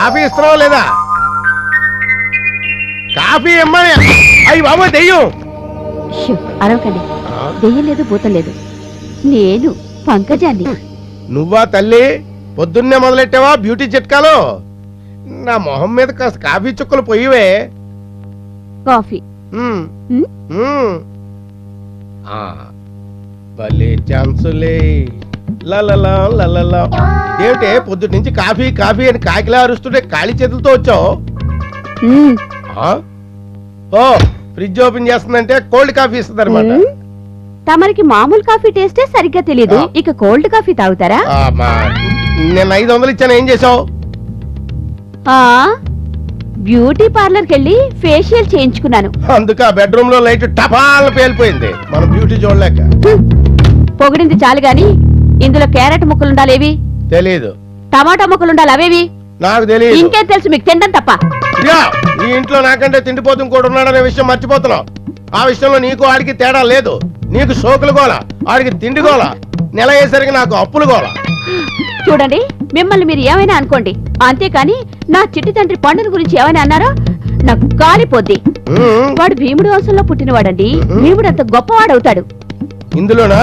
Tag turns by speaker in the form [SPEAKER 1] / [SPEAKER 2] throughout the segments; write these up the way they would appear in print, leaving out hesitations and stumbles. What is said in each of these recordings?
[SPEAKER 1] Coffee ఇస్తున్నావా లేదా? Coffee ఇమ్మని. అయ్యి బాబు దెయ్యం.
[SPEAKER 2] అరవకండి, దెయ్యం లేదు భూతం లేదు, నేను పంకజాన్ని.
[SPEAKER 1] నువ్వా తల్లి? పొద్దున్నే మొదలెట్టావా బ్యూటీ చిట్కాలు? నా మొహం మీద కాస్త కాఫీ చుక్కలు పోయివే.
[SPEAKER 2] కాఫీ
[SPEAKER 1] భలే ఛాన్సులే. లలలా లలలా. ఏమిటే పొద్దుటి నుంచి కాఫీ కాఫీ అని కాకిలా అరుస్తుంటే ఖాళీ చేతులతో వచ్చావు? ఓ ఫ్రిడ్జ్ ఓపెన్ చేస్తుందంటే కోల్డ్ కాఫీ ఇస్తుంది అనమాట.
[SPEAKER 2] తమరికి మామూలు కాఫీ టేస్టే సరిగ్గా తెలియదు, ఇక కోల్డ్ కాఫీ తాగుతారా?
[SPEAKER 1] నేను 500 ఇచ్చాను, ఏం చేసావు?
[SPEAKER 2] బ్యూటీ పార్లర్కి వెళ్ళి ఫేషియల్ చేయించుకున్నాను.
[SPEAKER 1] అందుకే ఆ బెడ్రూమ్ లో లైట్ టపాల్ పేలిపోయింది. మన బ్యూటీ చూడలేక.
[SPEAKER 2] పొగిడింది చాలు గాని ఇందులో క్యారెట్ ముక్కలుండాలేవి?
[SPEAKER 1] తెలీదు.
[SPEAKER 2] టమాటా ముక్కలుండాలి అవేవి?
[SPEAKER 1] నాకు తెలియదు.
[SPEAKER 2] ఇంకేం తెలుసు మీకు? తినడం తప్ప.
[SPEAKER 1] ఈ ఇంట్లో నాకంటే తిండిపోతు ఇంకోటి ఉన్నాడనే విషయం మర్చిపోతున్నావు. ఆ విషయంలో నీకు ఆడికి తేడా లేదు. నీకు సోకులు గోల, ఆడికి తిండి గోల, నెల అయ్యేసరికి నాకు అప్పులు గోల.
[SPEAKER 2] చూడండి, మిమ్మల్ని మీరు ఏమైనా అనుకోండి, అంతేకాని నా చిట్టి తండ్రి పండుని గురించి ఏమైనా అన్నారో నాకు కాలిపోద్ది. వాడు భీముడు వంశంలో పుట్టినవాడండి. భీముడు అంత గొప్పవాడవుతాడు.
[SPEAKER 1] ఇందులోనా?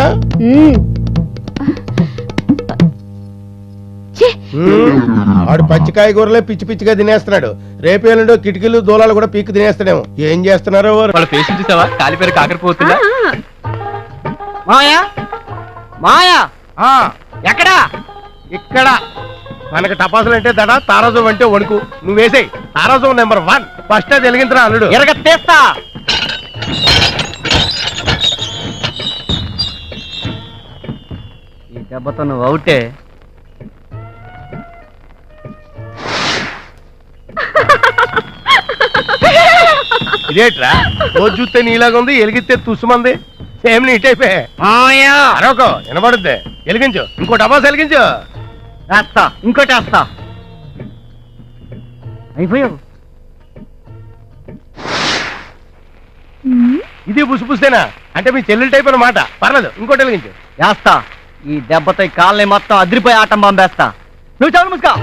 [SPEAKER 1] వాడు పచ్చికాయ కూరలే పిచ్చి పిచ్చిగా తినేస్తున్నాడు. రేపేళ్ళలో కిటికీలు దూలాలు కూడా పీక్కు తినేస్తాడేమో. ఏం చేస్తున్నారో
[SPEAKER 3] వాళ్ళ పేషెంట్ చూసావా? కాలిపేరు కాకరిపోతుందా?
[SPEAKER 4] మాయా మాయా ఎక్కడా?
[SPEAKER 1] ఇక్కడ మనకి టపాసులు అంటే దడ, తారాజం అంటే వణుకు. నువ్వు వేసేయి. తారాజం నెంబర్ 1 ఫస్ట్ అది వెలిగించరా అల్లుడు.
[SPEAKER 4] ఎరగత్తేస్తా. ఈ దెబ్బతో నువ్వు అవుటే.
[SPEAKER 1] ఇదేట్రా రోజు చూస్తే నీలాగా ఉంది, ఎలిగితే తుసుమంది. సేమ్ నీట్ అయిపోయా. అరొక వినబడుద్ది. వెలిగించు, ఇంకో టపాసు వెలిగించు.
[SPEAKER 4] వేస్తా, ఇంకోటి వేస్తా. అయిపోయావు.
[SPEAKER 1] ఇది పుసిపుస్తేనా? అంటే మీ చెల్లెలు టైప్ అన్నమాట. పర్లేదు, ఇంకోటి వెలిగించు.
[SPEAKER 4] వేస్తా. ఈ దెబ్బతో కాళ్ళని మొత్తం అదిరిపోయి ఆటం బాంబేస్తా. నువ్వు చాలు ముసుకా.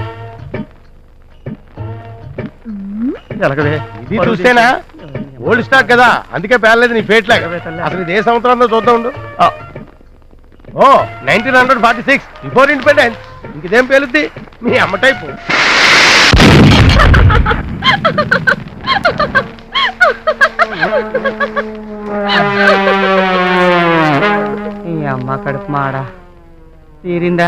[SPEAKER 1] ఇది చూస్తేనా? ఓల్డ్ స్టాక్ కదా, అందుకే పేర్లేదు నీ ఫేట్ లాగా. అసలు ఇది ఏ సంవత్సరంలో చూద్దాం ఉండు. ఓ 1946 బిఫోర్ ఇండిపెండెన్స్. ఇంకేం పేలుద్ది మీ అమ్మ టైపు.
[SPEAKER 4] ఈ అమ్మ కడుపు మాడ తీరిందా?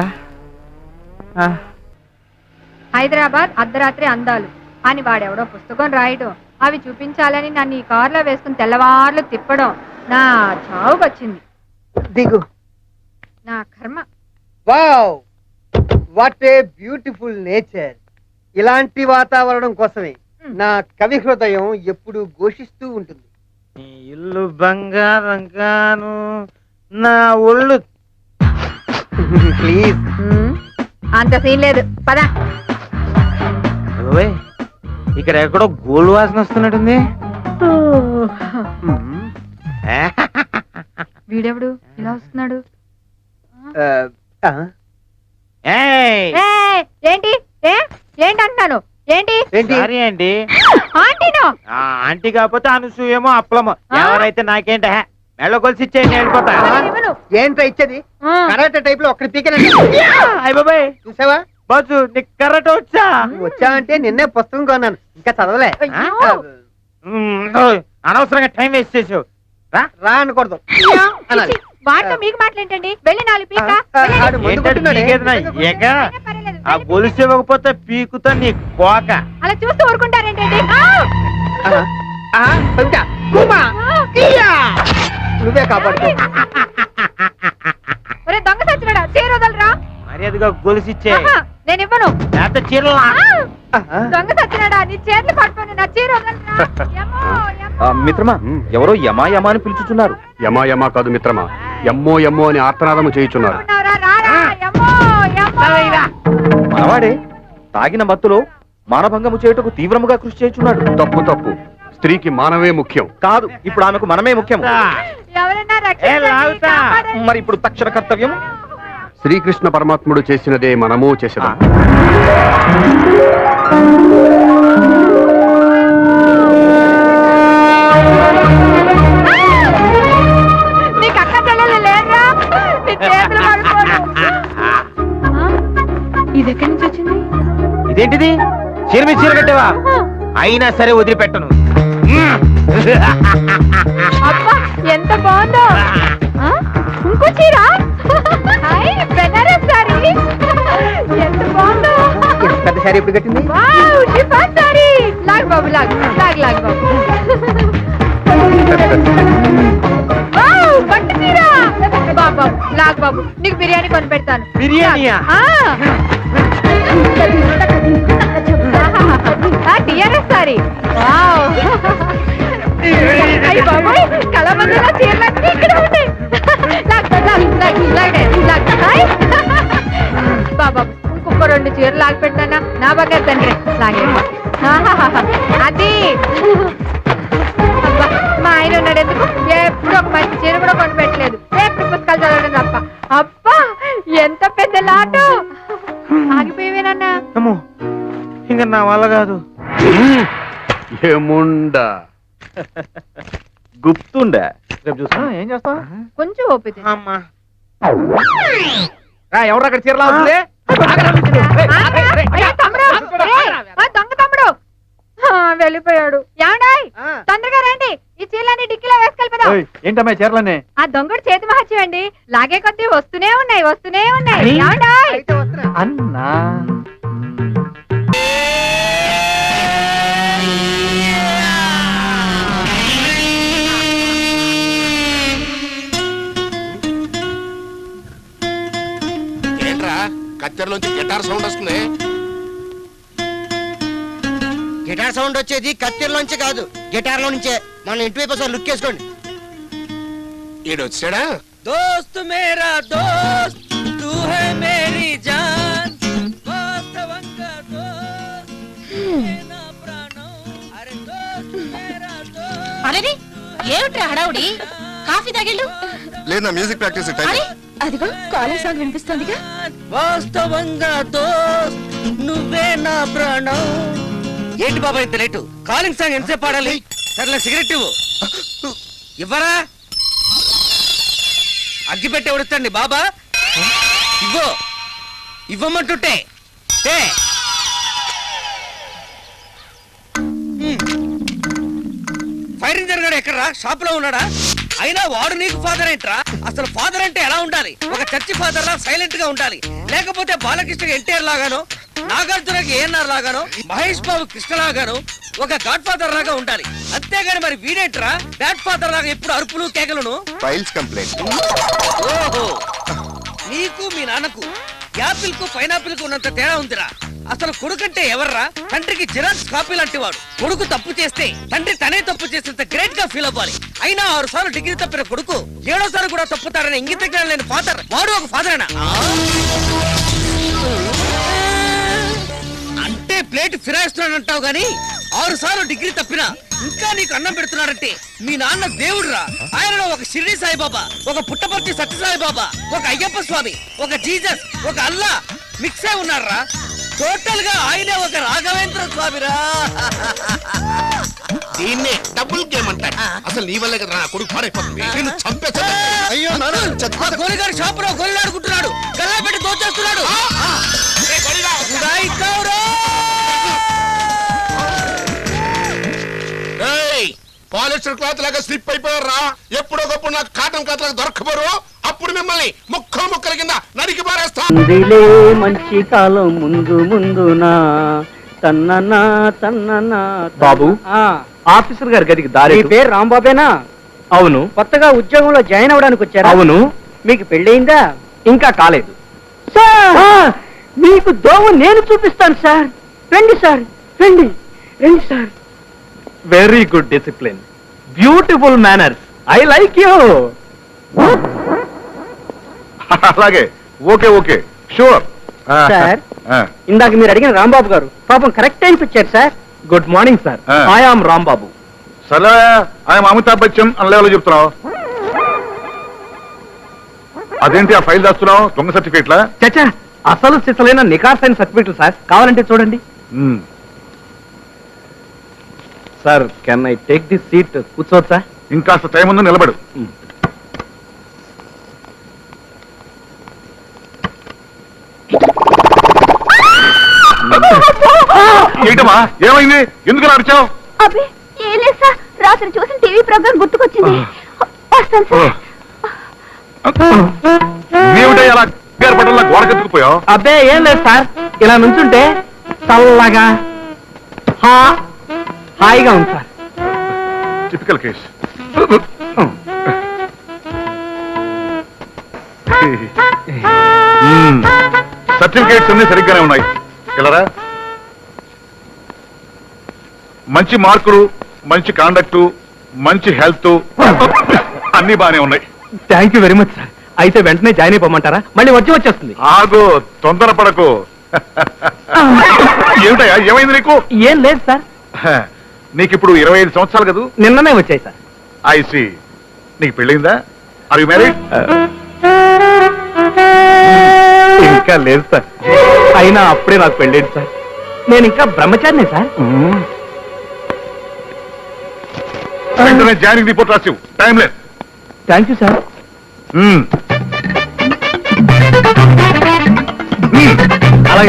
[SPEAKER 5] హైదరాబాద్ అర్ధరాత్రి అందాలు అని వాడెవడో పుస్తకం రాయడం, అవి చూపించాలని నన్ను ఈ కారులో వేసుకుని తెల్లవార్లు తిప్పడం నా చావుకొచ్చింది.
[SPEAKER 6] దిగు.
[SPEAKER 5] నా కర్మ.
[SPEAKER 6] Wow, what a beautiful nature. ఇలాంటి వాతావరణం కోసమే నా కవి హృదయం ఎప్పుడు ఘోషిస్తూ ఉంటుంది.
[SPEAKER 4] ఇల్లు బంగారం గాను, నా ఒళ్ళు.
[SPEAKER 6] ప్లీజ్.
[SPEAKER 5] అంత సీన్ లేదు, పద.
[SPEAKER 4] ఇక్కడ ఎక్కడో గోల్డ్ వాసన వస్తున్నట్టుంది.
[SPEAKER 5] వీడెవడు ఇలా వస్తున్నాడు? ఏంటి ఏంటి అంటున్నాను? ఏంటి
[SPEAKER 4] ఆంటీ?
[SPEAKER 5] ఆంటీనో?
[SPEAKER 4] ఆంటీ కాకపోతే అనసూయమో అప్పలమో ఎవరైతే నాకేంట మెళ్ళ కొలిసి ఇచ్చేయండి, వెళ్ళిపోతా.
[SPEAKER 6] ఏంట్రా ఇచ్చేది? కరాటే టైప్ లో ఒక్కడి పీకనండి.
[SPEAKER 4] అయ్య బాబాయ్,
[SPEAKER 6] చూసావా
[SPEAKER 4] బాజు నీకు కరెక్ట్ వచ్చా?
[SPEAKER 6] వచ్చా అంటే నిన్నే పుస్తకం కొన్నాను, ఇంకా చదవలే.
[SPEAKER 4] అనవసరంగా టైం వేస్ట్ చేసావు.
[SPEAKER 6] రా అనకూడదు అనాలి.
[SPEAKER 5] వాటితో మీకు మాట్లాడండి. వెళ్ళి 4 పీక.
[SPEAKER 4] ఆ గొలుసు ఇవ్వకపోతే పీకుతా నీ కోక.
[SPEAKER 5] అలా చూస్తూ ఊరుకుంటారేంటండి?
[SPEAKER 6] నువ్వే కాపాడుకో.
[SPEAKER 5] ఒరే దొంగ సచ్చినాడా, చీర వదలరా.
[SPEAKER 4] మర్యాదగా గొలుసు ఇచ్చే.
[SPEAKER 5] నేను ఇవ్వను.
[SPEAKER 4] లేకపోతే చీరలా.
[SPEAKER 5] దొంగ సచ్చినాడా, నీ చేతులు పట్టుకొని నా చీర వదలరా.
[SPEAKER 3] మిత్రమా, ఎవరో యమా యమా అని పిలుచుతున్నారు.
[SPEAKER 7] యమా యమా కాదు మిత్రమా, ఎమ్మో ఎమ్మో అని ఆర్తనాదము చేయుచున్నారు.
[SPEAKER 3] మనవాడే తాగిన మత్తులో మానభంగము చేయుటకు తీవ్రముగా కృషి చేయుచున్నాడు.
[SPEAKER 7] తప్పు తప్పు. స్త్రీకి మానవే ముఖ్యం.
[SPEAKER 3] కాదు, ఇప్పుడు ఆమెకు మనమే ముఖ్యం.
[SPEAKER 5] ఎవరైనా రక్షించండి, కాపాడండి.
[SPEAKER 3] మరి ఇప్పుడు తక్షణ కర్తవ్యం
[SPEAKER 7] శ్రీకృష్ణ పరమాత్ముడు చేసినదే మనము చేసేదాం.
[SPEAKER 5] నీకు అక్క చెల్లెలు లేదురా? నీ చేతులు పడిపోను. ఇది ఎక్కడి నుంచి వచ్చింది?
[SPEAKER 4] ఇదేంటిది చీర మీద చీర కట్టావా? అయినా సరే వదిలిపెట్టను.
[SPEAKER 5] అబ్బా ఎంత బాగుందో. ఆ? ఇంకో చీర? హాయ్, బెనారస్ సారీ. ఎంత బాగుందో.
[SPEAKER 6] పెద్ద సారీ ఎప్పుడు కట్టింది?
[SPEAKER 5] Wow, chiffon sari. లాగ్ బాబు, లాగ్ లాగ్ లాగ్ బాబు. వావ్, పట్టు చీర. బాబు లాగ్ బాబు, నీకు బిర్యానీ కొని పెడతాను.
[SPEAKER 4] బిర్యానీయా?
[SPEAKER 5] TRS sorry. వావ్, అయ్యి బాబోయ్, కళామందిలో చీరలన్నీ ఇక్కడ ఉంటాయి. లాగ్ లాగ్ లాగ్ లాగ్ లాగ్. హాయ్ బాబా, ఇంకొక 2 చీరలు లాగి పెట్టానా? నా బాగా తండ్రి లాగే. అది అబ్బా, మా ఆయన ఉన్నాడు ఎందుకు? ఎప్పుడు ఒక మంచి చీర కూడా కొని పెట్టలేదు. ఎప్పుడు పుస్తకాలు చదవడం తప్ప. అబ్బా ఎంత పెద్ద లాటు. ఆగిపోయేవేనన్నా?
[SPEAKER 4] అమ్మో, ఇంకా నా వల్ల కాదు.
[SPEAKER 7] ఏముండా
[SPEAKER 3] గుప్తుండే.
[SPEAKER 4] రేపు చూస్తా. ఏం చేస్తా?
[SPEAKER 5] కొంచెం ఓపిక.
[SPEAKER 4] అమ్మా,
[SPEAKER 3] ఎవరు అక్కడ చీరలా ఉంది?
[SPEAKER 5] దొంగ తమ్ముడు వెళ్ళిపోయాడు. ఏమండాయ్, తొందరగా రండి, ఈ చీరలన్నీ డిక్కీలో వేసుకెళ్ళిపోదాం.
[SPEAKER 3] ఏంటమ్మా చీరలన్నీ?
[SPEAKER 5] ఆ దొంగడు చేతి మహత్యం అండి. లాగే కొద్దీ వస్తూనే ఉన్నాయి, వస్తూనే ఉన్నాయి. ఏమండాయ్?
[SPEAKER 3] అన్నా
[SPEAKER 1] ఏంట్రా కత్తెరలోంచి గిటార్ సౌండ్ వస్తుంది?
[SPEAKER 6] గిటార్ సౌండ్ వచ్చేది కత్తెరలోంచి కాదు, గిటార్ లో నుంచే. మన ఇంటి వైపు ఒకసారి లుక్ వేసుకోండి.
[SPEAKER 1] ఈడు వచ్చాడా?
[SPEAKER 8] दोस्त मेरा दोस्त तू है मेरी जान वास्तवंगा दोस्त ना प्राणो अरे दोस्त मेरा दोस्त
[SPEAKER 2] అరే ఏమిట్రా హడావుడి? కాఫీ తాగిళ్ళు?
[SPEAKER 1] లేదా మ్యూజిక్ ప్రాక్టీస్ టైం.
[SPEAKER 2] అదిగో కాలేజ్ సాంగ్ వినిపిస్తోందిగా.
[SPEAKER 8] వాస్తవంగా దోస్త్ నువ్వే నా ప్రాణం. ఏంటి బాబా ఇంత లేటు? కాలింగ్ సాంగ్ ఎంతసేపు పాడాలి? సర్లే సిగరెట్ ఇవ్వు. ఇవ్వరా? అగ్గి పెట్టి ఎవడుతండి బాబా? ఇవ్వు, ఇవ్వమంటుంటే ఫైర్ ఇంజన్ గారు ఎక్కడరా? షాప్ లో ఉన్నాడా? అయినా వాడు నీకు ఫాదర్ ఏంట్రా? అసలు ఫాదర్ అంటే ఎలా ఉండాలి? ఒక చర్చి ఫాదర్ లా సైలెంట్ గా ఉండాలి. లేకపోతే బాలకృష్ణ ఎన్టీఆర్ లాగానో, నాగార్జునకి ఏఎన్ఆర్ లాగానో, మహేష్ బాబు కృష్ణ లాగానో ఒక గాడ్ ఫాదర్ లాగా ఉండాలి. అంతేగాని మరి వీడేంట్రా డాడ్ ఫాదర్ లాగా ఎప్పుడు అరుపులు కేకలను?
[SPEAKER 1] Files complaint.
[SPEAKER 8] ఓహో, నీకు మీ నాన్నకు యాపిల్ కు పైనాపిల్ కు ఉన్నంత తేడా ఉందిరా. అసలు కొడుకంటే ఎవర్రా? తండ్రికి జిరాక్స్ కాపీ లాంటి వాడు. కొడుకు తప్పు చేస్తే తండ్రి తనే తప్పు చేసేంత గ్రేట్ గా ఫీల్ అవ్వాలి. అయినా 6 సార్లు డిగ్రీ తప్పిన కొడుకు 7వ సారి కూడా తప్పుతాడని ఇంగిత జ్ఞానం లేని ఫాదర్ వాడు ఒక ఫాదరేనా? అంటే ప్లేట్ ఫిరాయిస్తున్నాడు అంటావు గాని 6 సార్లు డిగ్రీ తప్పినా ఇంకా నీకు అన్నం పెడుతున్నాడంటే మీ నాన్న దేవుడురా. ఆయనలో ఒక షిరిడి సాయిబాబా, ఒక పుట్టపర్తి సత్యసాయిబాబా, ఒక అయ్యప్ప స్వామి, ఒక జీసస్, ఒక అల్లా మిక్స్ అయి ఉన్నారా. టోటల్ గా ఆయనే ఒక రాఘవేంద్ర స్వామిరా.
[SPEAKER 1] దీన్నే డబుల్ గేమ్ అంటారు. అసలు నీ వల్లే కదా నా కొడుకు పాడైపోతుంది. నిన్ను చంపేస్తా. అయ్యో
[SPEAKER 8] గోలిగారు షాప్ లో గోలిలాడుకుంటున్నాడు, గల్లా పెట్టి దోచేస్తున్నాడు.
[SPEAKER 1] పాలిస్టర్ క్లాత్ లాగా స్లిప్ అయిపోయారా? ఎప్పుడోకప్పుడు నాకు కాటన్ క్లాత్ లాగా దొరకపోరు. అప్పుడు మిమ్మల్ని ముక్కలు ముక్కల కింద నరికి పారేస్తా.
[SPEAKER 9] మంచి కాలం ముందు ముందునా తన్ననా తన్ననా.
[SPEAKER 3] బాబు, ఆఫీసర్ గారి గదికి దారి.
[SPEAKER 9] మీ పేరు రాంబాబేనా?
[SPEAKER 3] అవును.
[SPEAKER 9] కొత్తగా ఉద్యోగంలో జాయిన్ అవ్వడానికి వచ్చారా?
[SPEAKER 3] అవును.
[SPEAKER 9] మీకు పెళ్ళయిందా?
[SPEAKER 3] ఇంకా కాలేదు.
[SPEAKER 9] సార్, మీకు దోవ నేను చూపిస్తాను సార్. రండి సార్, రండి రండి sir.
[SPEAKER 3] Very good discipline, beautiful manners. I like you.
[SPEAKER 7] అలాగే, ఓకే ఓకే, షూర్.
[SPEAKER 9] సార్, ఇందాక మీరు అడిగిన రాంబాబు గారు పాపం కరెక్ట్ టైంకి వచ్చారు sir.
[SPEAKER 3] Good morning sir. I am Rambabu.
[SPEAKER 7] సరే, ఆయన అమితాబ్ బచ్చన్ అని లెవెల్ చెప్తున్నావు.
[SPEAKER 10] అదేంటి ఆ ఫైల్ దాస్తున్నావు? దొంగ సర్టిఫికేట్లా?
[SPEAKER 9] చచ్చా, అసలు సిసలైన నికార్సైన సర్టిఫికెట్లు సార్. కావాలంటే చూడండి. Sir, can I take this seat? కూర్చోవచ్చా?
[SPEAKER 10] ఇంకాస్త టైం ఉందో నిలబడు. ఏంటమ్మా, ఏమైంది? ఎందుకు అరిచావు?
[SPEAKER 2] అబ్బే ఏం లేదు సార్, రాత్రి చూసిన టీవీ ప్రోగ్రామ్ గుర్తుకొచ్చింది. వస్తాను సార్.
[SPEAKER 10] ఏమిటో అలా పట్టల్లా గోడకెత్తుకుపోయావు?
[SPEAKER 9] అబ్బే ఏం లేదు సార్, ఇలా నుంచుంటే చల్లగా హాయిగా ఉంది సార్.
[SPEAKER 10] Typical case. సర్టిఫికేట్స్ అన్ని సరిగ్గానే ఉన్నాయి. ఇలా మంచి మార్కులు, మంచి కాండక్టు, మంచి హెల్త్ అన్ని బానే ఉన్నాయి.
[SPEAKER 9] Thank you very much sir. అయితే వెంటనే జాయిన్ అయిపోమంటారా? మళ్ళీ వచ్చేస్తుంది.
[SPEAKER 10] ఆగు, తొందరపడకు. ఏమిటయ్యా, ఏమైంది నీకు?
[SPEAKER 9] ఏం లేదు సార్.
[SPEAKER 10] నీకు ఇప్పుడు 25 సంవత్సరాలు కదా?
[SPEAKER 9] నిన్ననే వచ్చాయి సార్.
[SPEAKER 10] ఐసి. నీకు పెళ్ళిందా? Are you married?
[SPEAKER 9] ఇంకా లేదు సార్. అయినా అప్పుడే నాకు పెళ్ళేది సార్. నేను ఇంకా బ్రహ్మచారినే సార్.
[SPEAKER 10] వెంటనే జాయినింగ్ రిపోర్ట్ రాసివు. టైం లేదు.
[SPEAKER 9] Thank you sir. అలాగే.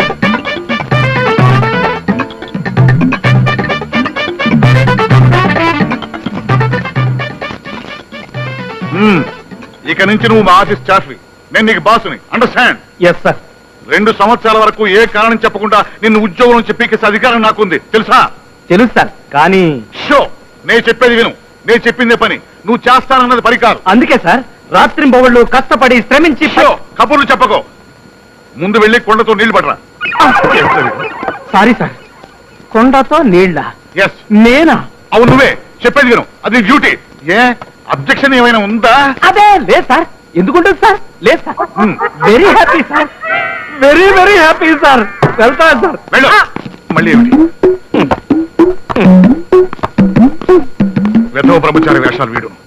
[SPEAKER 10] ఇక నుంచి నువ్వు మా ఆఫీస్ స్టాఫ్వి. నేను నీకు బాసుని. అండర్స్టాండ్?
[SPEAKER 9] Yes sir.
[SPEAKER 10] 2 సంవత్సరాల వరకు ఏ కారణం చెప్పకుండా నిన్ను ఉద్యోగం నుంచి పీకేసే అధికారం నాకుంది, తెలుసా?
[SPEAKER 9] తెలుసు సార్, కానీ
[SPEAKER 10] షో, నేను చెప్పేది విను. నేను చెప్పిందే పని. నువ్వు చేస్తానన్నది పని కాదు.
[SPEAKER 9] అందుకే సార్ రాత్రింబవళ్ళు కష్టపడి శ్రమించి
[SPEAKER 10] షో, కబుర్లు చెప్పకో. ముందు వెళ్ళి కొండతో నీళ్లు పడరా.
[SPEAKER 9] Sorry sir. కొండతో నీళ్ళ?
[SPEAKER 10] ఎస్.
[SPEAKER 9] నేనా?
[SPEAKER 10] అవును, నువ్వే. చెప్పేది విను, అది డ్యూటీ. ఏ అబ్జెక్షన్ ఏమైనా ఉందా?
[SPEAKER 9] అదే లేదు సార్. ఎందుకుంటుంది సార్? లేదు sir. Very happy sir. Very very happy sir. వెళ్తాను సార్.
[SPEAKER 10] వెళ్ళు. మళ్ళీ ఏమిటి? వెధవ బ్రహ్మచారి వేషాలు వీడు.